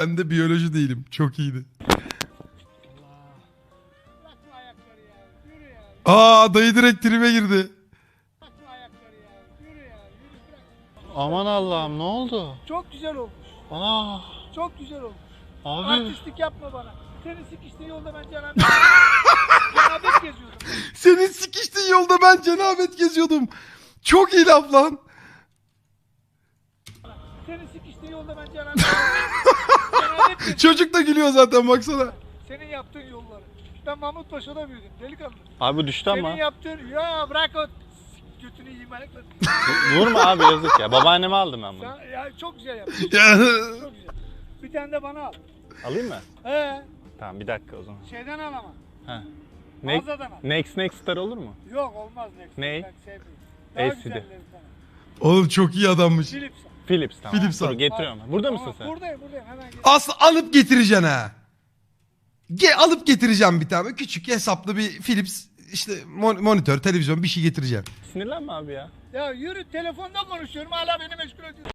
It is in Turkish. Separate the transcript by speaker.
Speaker 1: Ben de biyoloji değilim. Çok iyiydi.
Speaker 2: Bırakma ayakları ya. Yürü ya.
Speaker 1: Aa dayı direkt tribe girdi.
Speaker 2: Bırakma ayakları ya. Yürü ya. Yürü bırak.
Speaker 3: Aman Allah'ım ne oldu?
Speaker 2: Çok güzel olmuş.
Speaker 3: Aa,
Speaker 2: Çok güzel olmuş.
Speaker 3: abi.
Speaker 2: Artistlik yapma bana. Senin sikiştiğin yolda ben cenabet geziyordum.
Speaker 1: Senin sikiştiğin yolda ben cenabet geziyordum. Çok iyi laf lan.
Speaker 2: Senin sikiştiğin yolda ben cenabet geziyordum.
Speaker 1: Çocuk da gülüyor zaten baksana.
Speaker 2: Senin yaptığın yolları. Ben Mahmutpaşa'da büyüdüm delikanlı.
Speaker 3: Abi düştü ama.
Speaker 2: Senin yaptığın... Ya bırak o götünü yiyeyim ayakları.
Speaker 3: Vurma abi yazık ya. Babaanneme aldım ben bunu.
Speaker 2: Sen, ya çok güzel yaptın.
Speaker 1: Ya.
Speaker 2: Çok güzel. Bir tane de bana al.
Speaker 3: Alayım mı? Tamam bir dakika o zaman.
Speaker 2: Şeyden al ama.
Speaker 3: Ha.
Speaker 2: Mağazadan al.
Speaker 3: Next Star olur mu?
Speaker 2: Yok olmaz Next.
Speaker 3: Ney?
Speaker 2: Ben sevmiyorum. Daha
Speaker 3: LCD.
Speaker 2: güzellerinden al.
Speaker 1: Oğlum çok iyi adammış.
Speaker 2: Philips al.
Speaker 3: Philips tamam.
Speaker 1: Philips
Speaker 3: Dur
Speaker 1: al.
Speaker 3: getiriyorum. Burada
Speaker 2: Tamam,
Speaker 3: mısın sen?
Speaker 2: Buradayım hemen gel.
Speaker 1: Aslı alıp getireceksin ha. Alıp getireceğim bir tane. Küçük hesaplı bir Philips işte monitör, televizyon bir şey getireceğim.
Speaker 3: Sinirlenme abi ya.
Speaker 2: Ya yürü telefonda konuşuyorum hala beni meşgul ediyorsun.